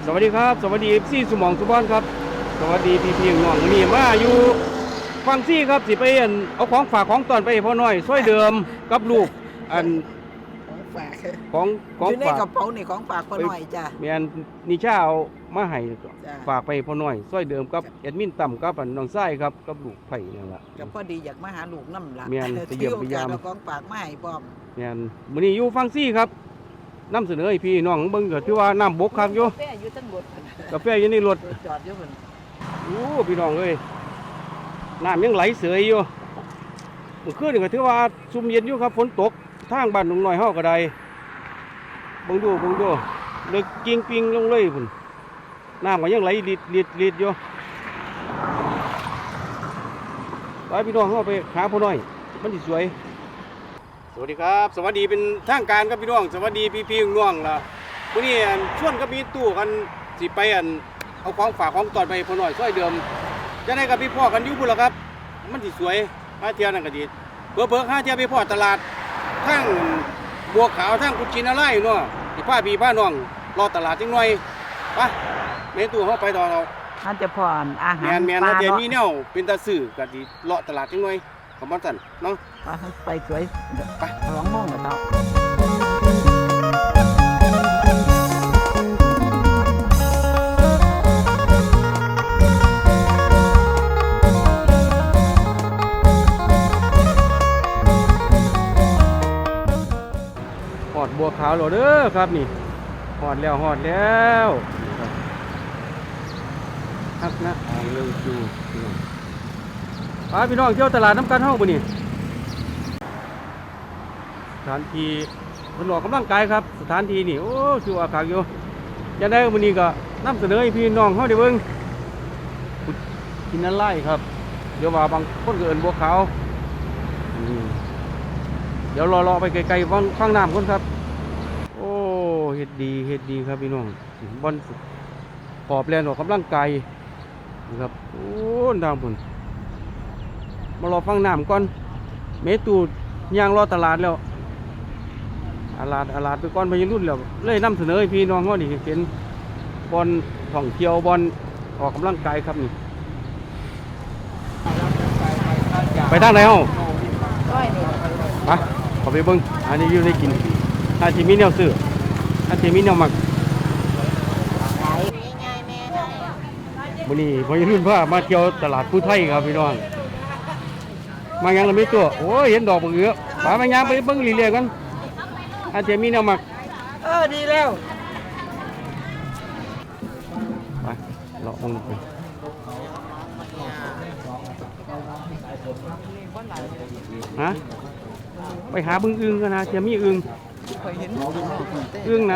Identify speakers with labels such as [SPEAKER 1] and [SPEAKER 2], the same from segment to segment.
[SPEAKER 1] วัสดีครับสวัสดีซี่สมองสุบอนครับสวัสดีพี่น้องนี่มาอยู่ฟังซี่ครับสิไปเอาของฝากของตอนไปพ่อน้อยช่วยเดิมกับลูกอัน
[SPEAKER 2] ของฝาก
[SPEAKER 1] ของ
[SPEAKER 2] อยู่ใน
[SPEAKER 1] ฝาก
[SPEAKER 2] กระเป๋านี่ของฝากพ่อหน่อยจ้ะ
[SPEAKER 1] เมียนนิชาเอามาให้
[SPEAKER 2] จ้ะ
[SPEAKER 1] ฝากไปพ่อน้อยช่วยเดิมกับแอดมินต่ำกับน้องไส้ครับกับลูกไผ่นั่นแหละ
[SPEAKER 2] ก็พอดีอยากมาหาลูกน้ำละ
[SPEAKER 1] แม่นไปเยี่ยมไปยาม
[SPEAKER 2] ถือโอกสเอของฝากมาให้พร้อม
[SPEAKER 1] เมียนมื้อนี้อยู่ฟังซี่ครับนำเสนอให้พี่น้องเบิ่งก็ถือว่าน้ำบกคักอยู่
[SPEAKER 2] กาแฟอยู่ทั้งหมด
[SPEAKER 1] กาแฟอยู่ในรถ
[SPEAKER 2] จอดอยู่เพิ่น
[SPEAKER 1] โอ้พี่น้องเอ้ยน้ำยังไหลเสยอยู่เมื่อคืนนี่ก็ถือว่าซุ่มเย็นอยู่ครับฝนตกทางบ้านหนุ่มน้อยเฮาก็ได้เบิ่งดูเลิกกิ้งปิงลงเลยพุ่นน้ำก็ยังไหลลิดอยู่ไปพี่น้องเฮาไปหาพ่อน้อยมันสิสวยสวัสดีครับสวัสดีเป็นทางการครับพี่น้องสวัสดีพี่น้องล่ะมื้อนี้ชวนกับมีตู้กันสิไปเอาของฝากของตอนไปพ่อน้อยซอยเดิมจะได้กับพี่พ่อกันอยู่พุ่นล่ะครับมันสิสวยหาเที่ยวนั่นก็ดีเพิ่งหาเที่ยวไปพ่อตลาดทั้งบัวขาวทั้งกุชินาไล่เนาะสิพาพี่พาน้องรอตลาดจังหน่อยไปแม่ตู้เฮาไปต่อเรา
[SPEAKER 2] ท่านจะพรอาหาร
[SPEAKER 1] แม่น
[SPEAKER 2] ปลา
[SPEAKER 1] เดี๋ยว
[SPEAKER 2] เนาะ
[SPEAKER 1] มีแนวเป็นตาซื้อก็สิเลาะตลาดจังหน่อยขอบคุณสั่นเนาะ
[SPEAKER 2] ไปสวยไป2 โมงแล้วเนาะ
[SPEAKER 1] หอดบัวขาวแล้วเด้อครับนี่หอดแล้วฮักนะออกเร็วจูพี่น้องเที่ยวตลาดน้ำกันห้องบ่นี่สถานที่เพิ่นออกกำลังกายครับสถานที่นี่โอ้ชื่อว่าคักอยู่จะได้มื้อนี้ก็นำเสนอให้พี่น้องเฮาได้เบิ่งกินนั่นไล่ครับเดี๋ยวว่าบางคนก็เอิ้นบัวขาวเดี๋ยวรอไปไกลๆฟังน้ำก่อนครับโอ้เฮ็ดดีครับพี่น้องบอลขอบแลนออกกำลังกายนะครับโอ้ดาวพุ่นมารอฟังน้ำก่อนเมตูย่างรอตลาดแล้วอาลาดไปก่อนพายุรุ่นแล้วเลยนำเสนอให้พี่น้องเขานี่เห็นบอลท่องเที่ยวบอลออกกำลังกายครับนี่ไปทางไหนเฮา
[SPEAKER 2] ร้อยนี่
[SPEAKER 1] ไปขอไปเบิ้งอันนี้อยู่ในกินอาจจะมีแนวซื้ออาจจะมีแนวหมัก
[SPEAKER 2] ขายง่ายแม่ได้
[SPEAKER 1] วันนี้พายุรุ่นพามาเที่ยวตลาดผู้ไทยครับพี่น้องมายังเราไม่ตัวโอ้ยเห็นดอกบักเอือไปมายางไปเบิ้งเรื่อยๆกันอาจจะมีแนวหมัก
[SPEAKER 2] ดีแล้ว
[SPEAKER 1] ไปเลาะลงไปฮะไปหาบึงอึงกันนะจะมีอึง
[SPEAKER 2] เคยเห็น
[SPEAKER 1] อึงนะ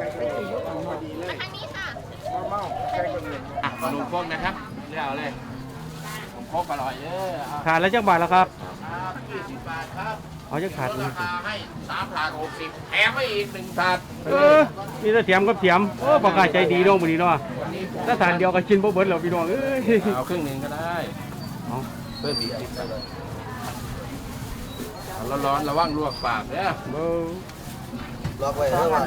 [SPEAKER 3] ขนมพกนะครับเรียกเอาเลยผมพกอร่อย
[SPEAKER 1] ขาดแล้วจักบาทแล้วครับ
[SPEAKER 3] 20 บาทครับ
[SPEAKER 1] เอาจะขาด
[SPEAKER 3] ราคาให้3 ถาด 60แถมให้อีก1 ถาด
[SPEAKER 1] มีแต่เถียมกับเถียมโอ้ประกาศใจดีน้องวันนี้เนาะถ้าทานเดียวก็ชินบ่เบิดแล้วพี่น้องเอ้ย
[SPEAKER 3] เอาครึ่งหนึ่งก็ได้
[SPEAKER 1] เอา
[SPEAKER 3] เพิ่มอีก10ไปเลยร้อนๆระวังลวกปากเนี่ย
[SPEAKER 1] เบ้อ
[SPEAKER 4] ล็อกไว้เท่าไหร่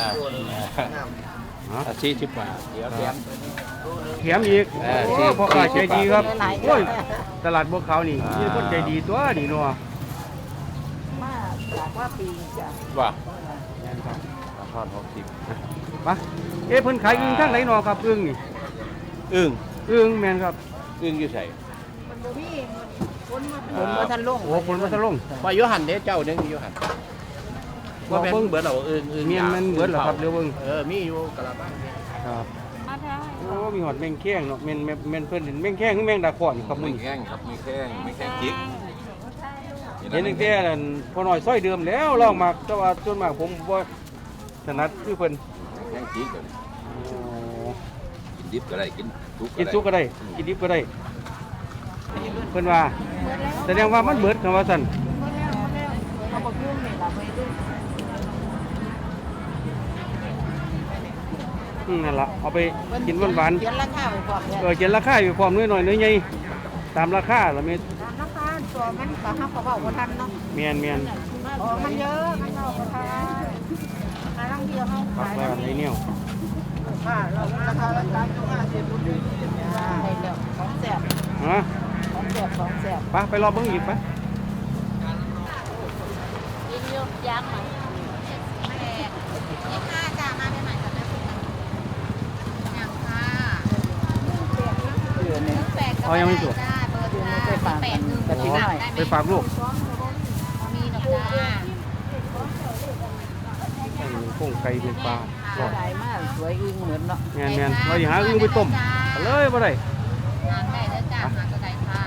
[SPEAKER 3] 40 บาทเดี๋ยวแถม
[SPEAKER 1] เถียมอีก
[SPEAKER 3] เออ
[SPEAKER 1] โอ้ประกาศใจดีครับ
[SPEAKER 2] หลายๆ
[SPEAKER 1] โอ้ยตลาดบัวขาวนี่มีคนใจดีตัวนี่เนาะ
[SPEAKER 2] มาจากว่าปีจ้ะ
[SPEAKER 3] ว่า
[SPEAKER 1] แม่นครับ
[SPEAKER 3] ราคา60
[SPEAKER 1] ไปเอ๊ะเพิ่นขายอึ่งทางไหนเนาะครับอึ่งนี่
[SPEAKER 3] อึ้ง
[SPEAKER 1] อึ่งแม่นครับ
[SPEAKER 3] อึ้งอยู่ใส่
[SPEAKER 2] มันบ่มีคนมาทันลง
[SPEAKER 1] โอ้คนมาทะลง
[SPEAKER 3] ว่าโยหันเด้เจ้านึงโยหันว่าแม่นเบิดเหรออึ้ง
[SPEAKER 1] เมียนมันเบิดเหรอครับเดี๋ยวเบิ่ง
[SPEAKER 3] มีอยู่กระมัง
[SPEAKER 1] ครับโอ้มีหอดแมงแข้งเนาะแม่นเพิ่นเห็นแมงแข้งคือแมงดาขอนครับมื้อ
[SPEAKER 3] มี
[SPEAKER 1] นี้
[SPEAKER 3] แข้งครับมีแข้งมีแข้งจิก
[SPEAKER 1] เห็นตั้งแต่นั่นพอน้อยซอยเดิมแล้วลองมากแต่ว่าส่วนมากผมบ่ถนัดคือเพิ่น
[SPEAKER 3] แข้งจิกเลย
[SPEAKER 1] โอ้
[SPEAKER 3] กินดิบก็ได้กินทุก
[SPEAKER 1] กินสุกก็ได้กินดิบก็ได้เพิ่นว่าแสดงว่ามันเบิดคำว่าซั่น
[SPEAKER 2] เขาบอกยุ่งนี่ล่ะไม่ยุ่ง
[SPEAKER 1] นั่นล่ะเอาไปกินหวาน
[SPEAKER 2] เขียนราคาไว้พร้อมแล้ว
[SPEAKER 1] เขียนราคาอยู่พร้อมน้อยๆน้อยใหญ่ตามราคาละแม่
[SPEAKER 2] ราคาตัวมันก็เฮาก็เว้าบ่ทันเนาะ
[SPEAKER 1] แม่น
[SPEAKER 2] มันเยอะมันเว้าบ่ทันหาลังเดียวเฮา
[SPEAKER 1] ปัก
[SPEAKER 2] ขาย
[SPEAKER 1] ไว้อันไหนแนว
[SPEAKER 2] ราคาราคาอยู่50รุ่นนี้ให้แล้วของแซ่บ
[SPEAKER 1] ฮะ
[SPEAKER 2] ของแซ่บของแซ่บ
[SPEAKER 1] ไปรอเบิ่งอีกไป
[SPEAKER 5] ยินอยู่ยังไหมแม่ยี่ห้าจ้ามาใหม่ๆจ้ะแม่คุณยังค่ะ
[SPEAKER 2] เดือนนี้
[SPEAKER 5] แปดก็ได้จ้าเบอร์จ้า8 1
[SPEAKER 2] กะทิหน่อย
[SPEAKER 1] ไปฝากลูก
[SPEAKER 5] มีหนอกจ้า
[SPEAKER 1] โค้งไก่เป็นปลา
[SPEAKER 2] สวยมากสวยอึ้งเหมือนเนาะ
[SPEAKER 1] แม่นๆเราอย่าหาอึ้งไปต้มเอาเลยบ่ได้
[SPEAKER 5] หางได้แล้วจ้าหางก็ได้ค่ะ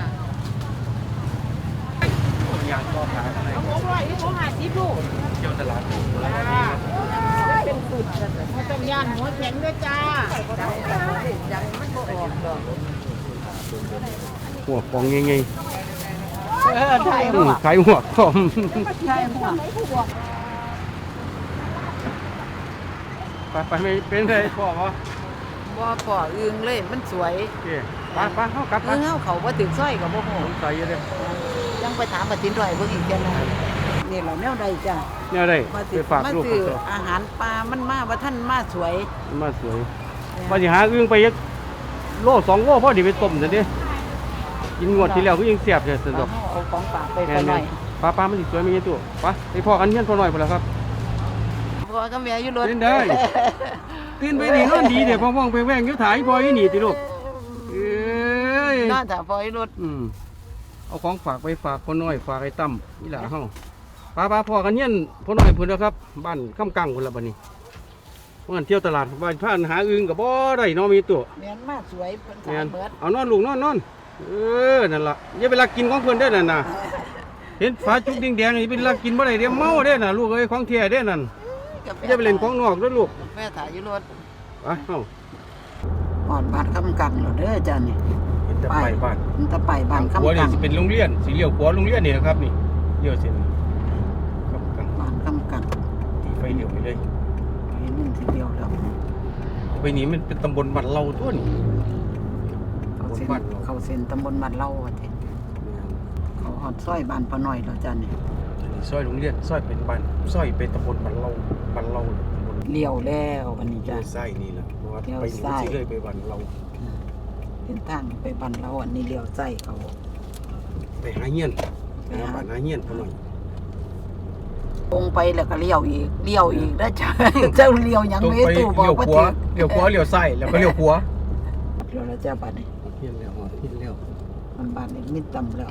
[SPEAKER 1] ยางก็ขายอะไร
[SPEAKER 2] ผมว่าอีผม50ลูก
[SPEAKER 1] เที่ยวตลาดถูกแล้ว
[SPEAKER 2] เป็นสุดเขาต้องย่านหัวแข็งด้วยจ้ายังมันบ่ออกดอก
[SPEAKER 1] หัวกองเงย
[SPEAKER 2] ใช่
[SPEAKER 1] ๆ
[SPEAKER 2] หัว
[SPEAKER 1] ขายหัวกอม
[SPEAKER 2] ใช่หัว
[SPEAKER 1] ไปไม่เป็นไรพ่อวะ
[SPEAKER 2] บ่พออึ้งเลยมันสวย
[SPEAKER 1] โอเคไปเข้ากลับไป
[SPEAKER 2] อึ้งเฮาเขาบ่ถึงซอยก็บ่ฮู้
[SPEAKER 1] ผมใส่เยอะเลย
[SPEAKER 2] ยังไปถามปฏินร่อยเบิ่งอีกเทื่อนึงนี่แหละแนวใดจ้ะ
[SPEAKER 1] เนี่ยได้
[SPEAKER 2] มา
[SPEAKER 1] ไปฝากลูก
[SPEAKER 2] ซื้อ
[SPEAKER 1] ตัว
[SPEAKER 2] อาหารปลามันมาว่าท่านมาสวย
[SPEAKER 1] มาสวยว่าสิหาอึ้งไปยักโล2โลพอดีไปต้มซะดิกินงวดที่แล้วก็ยังเสียบเลยสนุก
[SPEAKER 2] เอาของฝากไป
[SPEAKER 1] แม่
[SPEAKER 2] หน่อย
[SPEAKER 1] ปลามันสิสวยมีตัวไปพ่อกันเฮียนพ่อหน่อยพุ่นล่ะครับ
[SPEAKER 2] พ่อกับแม่อยู่รถ
[SPEAKER 1] เล่นได้ ตื่นไปนี่นอนดีเดี๋ยวพ่องๆไปแว่งอยู่ถ่ายพ่ออยู่นี่ติลูกเอ้ย
[SPEAKER 2] นอนถ้าพ่ออยู่รถ
[SPEAKER 1] เอาของฝากไปฝากพ่อน้อยฝากไอ้ตั้มนี่ล่ะเฮาป้าพ่อกันเฮียนพ่อน้อยพุ่นแล้วครับบ้านค่ำกังพุ่นละบัดนี้เมื่อวันเที่ยวตลาดบ้านพานหาอึ่งก็บ่ได้เนาะมีตัว
[SPEAKER 2] แม่นมาสวยเพิ่น
[SPEAKER 1] แม่
[SPEAKER 2] ขาย
[SPEAKER 1] น
[SPEAKER 2] เบิด
[SPEAKER 1] เอานอนลูกนอนนั่นล่ะอย่าไปลักกินของเพิ่นได้อนั่นน่ะเห็นฝาจุกแดงๆนี่เป็นลักกินบ่ได้เดี๋ยวเมาเด้อน่ะลูกเอ้ยของแท้เด้อนั่นอย่าไปเล่นของนอกเด้อลูก
[SPEAKER 2] แม่ถ่ายอยู่รถ
[SPEAKER 1] ไปเฮา
[SPEAKER 2] หอดบาดคำกังแล้วเด้อจ้ะนี่
[SPEAKER 1] เห็นแต่ไปบ้าน
[SPEAKER 2] มันจะไปบ้าน
[SPEAKER 1] ขัว
[SPEAKER 2] คำ
[SPEAKER 1] นี่
[SPEAKER 2] กัง
[SPEAKER 1] สิเป็นโรงเรียนสีเลี้ยวขวาโรงเรียนนี่นะครับนี่เลี้ยวเส้นครับกลาง
[SPEAKER 2] บ้านคำกัง
[SPEAKER 1] ตีไฟเลี้ยวไปเลย
[SPEAKER 2] เห็นมันทีเดียวแล้ว
[SPEAKER 1] ไปนี่มันเป็นตำบลบ้านเราตัวนี่
[SPEAKER 2] เขาเซ็นตำบลบ้านเล่าว่าติเขาหอดซอยบ้านพ่อน้อยแล้วจ้ะนี่
[SPEAKER 1] อันนี้ซอยโรงเรียนซอยเป็นบ้านซอยเป็นตำบลบ้านเราตำบล
[SPEAKER 2] เลี้ยวแล้ววันนี้
[SPEAKER 1] เลี้
[SPEAKER 2] จ้ะ
[SPEAKER 1] ยวซ้ายนี่แหละเพราะว่า
[SPEAKER 2] เลี้ยว
[SPEAKER 1] ไปนี่
[SPEAKER 2] ซ้าย
[SPEAKER 1] สิเลยไปบ้านเรา
[SPEAKER 2] เป็นทางไปบ้านเราอันนี้เลี้ยวใจเขา
[SPEAKER 1] ไปหาเฮียนไปหาบ้านหาเฮียนพอหน่อย
[SPEAKER 2] ลงไปแล้วก็เลี้ยวอีกนะจ้ะ เจ้าเลี้ยวหยัง
[SPEAKER 1] ตรง
[SPEAKER 2] ไม่
[SPEAKER 1] ไป
[SPEAKER 2] ตู้บอ
[SPEAKER 1] เลี้ย
[SPEAKER 2] ก
[SPEAKER 1] ว
[SPEAKER 2] ว่า
[SPEAKER 1] ขวาเลี้ยวขวาเลี้ยวซ้ายแล้วก็เลี้ยวขวา
[SPEAKER 2] เลี้ยวแล้วจ้ะบัดนี้
[SPEAKER 1] เฮียนแล้วเฮียนแล้ว
[SPEAKER 2] มันบ้านนี้มิดต่ำแล้ว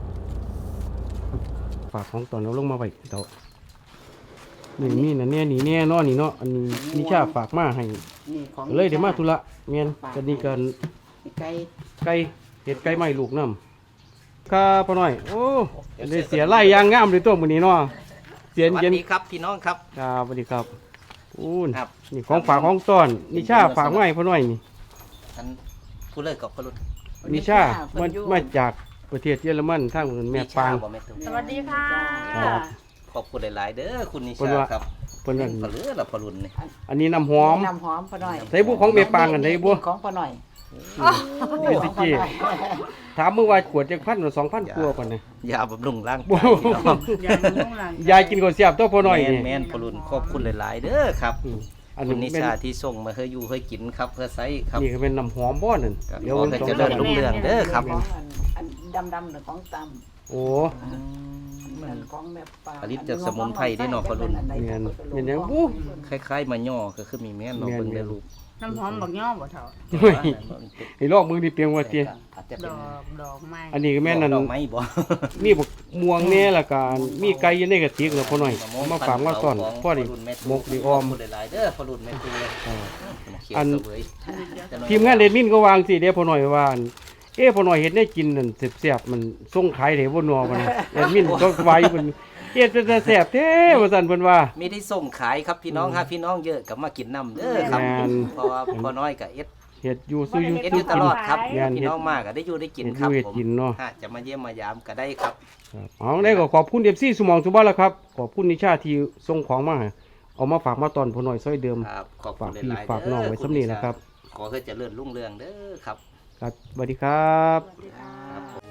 [SPEAKER 1] ฝากของตอนเราลงมาไว้เต่านี่นะเนี่ยนี่เนี่ยเนาะนี่เนาะอันนี้นิชาฝากมาให้
[SPEAKER 2] นี่ของ
[SPEAKER 1] เลยเดี๋ยวมาธุระเมียนกันนี่กัน
[SPEAKER 2] ไก่
[SPEAKER 1] ไก่เห็ดไก่ไม้ลูกน้ำครับพ่อหน่อยโอ้ได้เสียไล่ยางงามเลยตัวมื้อนี้เนาะเสียน
[SPEAKER 3] สวัส
[SPEAKER 1] เย็น
[SPEAKER 3] ดีครับพี่น้องครับ
[SPEAKER 1] ครับสวัสดีครับอู้น
[SPEAKER 3] ครับ
[SPEAKER 1] นี่ของฝากของต้อนนิชาฝากมาให้พ่อหน่อยนี่
[SPEAKER 3] ท่านผู้เลิกกับพลุน
[SPEAKER 1] นิชามาจากประเทศเยอรมันทางแม่ปาง
[SPEAKER 3] บ่แม่ตุ้ม
[SPEAKER 5] สวัสดีค่ะ
[SPEAKER 1] ครับ
[SPEAKER 3] ขอบคุณหลายๆเด้อคุณนิ
[SPEAKER 1] เพิ่น
[SPEAKER 3] ชา
[SPEAKER 1] ว่า
[SPEAKER 3] ครับ
[SPEAKER 1] เพิ่นนั่น
[SPEAKER 3] พลือละพลุนนี่
[SPEAKER 1] อันนี้น้ำหอม
[SPEAKER 2] น้ำหอมพ่อหน่อย
[SPEAKER 1] ใส่บุของแม่ปางกันใส่บุ
[SPEAKER 2] ของพ่อหน่อย
[SPEAKER 1] นี่สิจีถามเมื่อวานขวดจัก1,000หรือ2,000กว่าก่อนนะ
[SPEAKER 3] ยาบำรุงร่าง
[SPEAKER 1] บ่
[SPEAKER 3] กายพี่น้อง
[SPEAKER 1] ยายกินข้าวเสียบตัวพ่อหน่อยนี่
[SPEAKER 3] แม่นพลุนขอบคุณหลายๆเด้อครับ
[SPEAKER 1] อัน
[SPEAKER 3] คุ
[SPEAKER 1] นี้
[SPEAKER 3] ณนิ
[SPEAKER 1] เป็น
[SPEAKER 3] ชาที่ส่งมาให้อยู่ให้กินครับเพื่อใช้ครับ
[SPEAKER 1] นี่ก็เป็นน้ำหอมบ่นั่น
[SPEAKER 3] ครับ
[SPEAKER 1] เดี๋ยว
[SPEAKER 3] ขอให้เจริญรุ่งเรืองเด้อครับ
[SPEAKER 2] ของอันดำๆหรือของตำ
[SPEAKER 1] โอ้
[SPEAKER 2] อันของแม่ปลา
[SPEAKER 3] ผลิตจากสมุนไพรได้เนาะพ่อรุ่น
[SPEAKER 1] แม่นแม่นหยังบู๊
[SPEAKER 3] คล้ายๆมาย่อก็คือมีแม่นเนาะ
[SPEAKER 1] แม่น
[SPEAKER 3] เบิ่งในรูป
[SPEAKER 5] น้ำหอมบักย่อบ่เท่า
[SPEAKER 1] เฮ้ยไอ้ลอกมึงนี่เปียงว่าเตี้ย
[SPEAKER 3] อาจจะ
[SPEAKER 5] ด
[SPEAKER 3] เป็น
[SPEAKER 5] อกไม้
[SPEAKER 1] อันนี้ก็แม่นนั่น
[SPEAKER 3] ดอกไม้บ่
[SPEAKER 1] มีบักม่วงแน่ละกันมีไก่อยู่ในกระติกแล้วพ่อหน่อยเอามาฝากมาต้อนพ่อดิหมกดิออม
[SPEAKER 3] ขบคุณหลายๆเด้อพอรุ่นแม่ตูเลย
[SPEAKER 1] อัน
[SPEAKER 3] เสวย
[SPEAKER 1] ทีมงานเดดมินก็วางสิเด้พ่อหน่อยว่าอั่นพ่อหน่อยเฮ็ดได้กินนั่นแซ่บๆมันส่งขายได้บ่นัวบ่นะเดดมินก็ไว้เพิ่นเฮ็ดแต่แซ่บแท้ว่าซั่นเพิ่นว่า
[SPEAKER 3] มีที่ส่งขายครับพี่น้องฮะพี่น้องเยอะกับมากินน้ำเด้อครับ
[SPEAKER 1] แม่น
[SPEAKER 3] เพราะว่าพอน้อยกับเอ็ด
[SPEAKER 1] เฮ็ดอยู่ซื้ออยู่
[SPEAKER 3] เอ็ด
[SPEAKER 1] ซื้
[SPEAKER 3] อยู่ตลอดครับ
[SPEAKER 1] แม่น
[SPEAKER 3] พี่
[SPEAKER 1] เฮ็ด
[SPEAKER 3] น้องมากก็ได้อยู่ได้กิน
[SPEAKER 1] เฮ็ด
[SPEAKER 3] ครับ
[SPEAKER 1] อยู่เฮ็ด
[SPEAKER 3] ผม
[SPEAKER 1] กินเนาะ
[SPEAKER 3] ฮะจะมาเยี่ยมมายามก็ได้ครับ
[SPEAKER 1] ครับเอาได้ก็ขอบคุณ FC สมองสุบ้านแล้วครับขอบคุณนิชาที่ส่งของมาให้เอามาฝากมาตอนพ่อหน่อยซอยเดิม
[SPEAKER 3] ครับขอบคุ
[SPEAKER 1] ฝาก
[SPEAKER 3] ณ
[SPEAKER 1] พี่
[SPEAKER 3] หลายๆ
[SPEAKER 1] ฝากน้องไว้สำนีนะครับ
[SPEAKER 3] ขอให้เจริญรุ่งเรืองเด้อครับ
[SPEAKER 1] ครับสวัสดีครับ
[SPEAKER 3] ครับ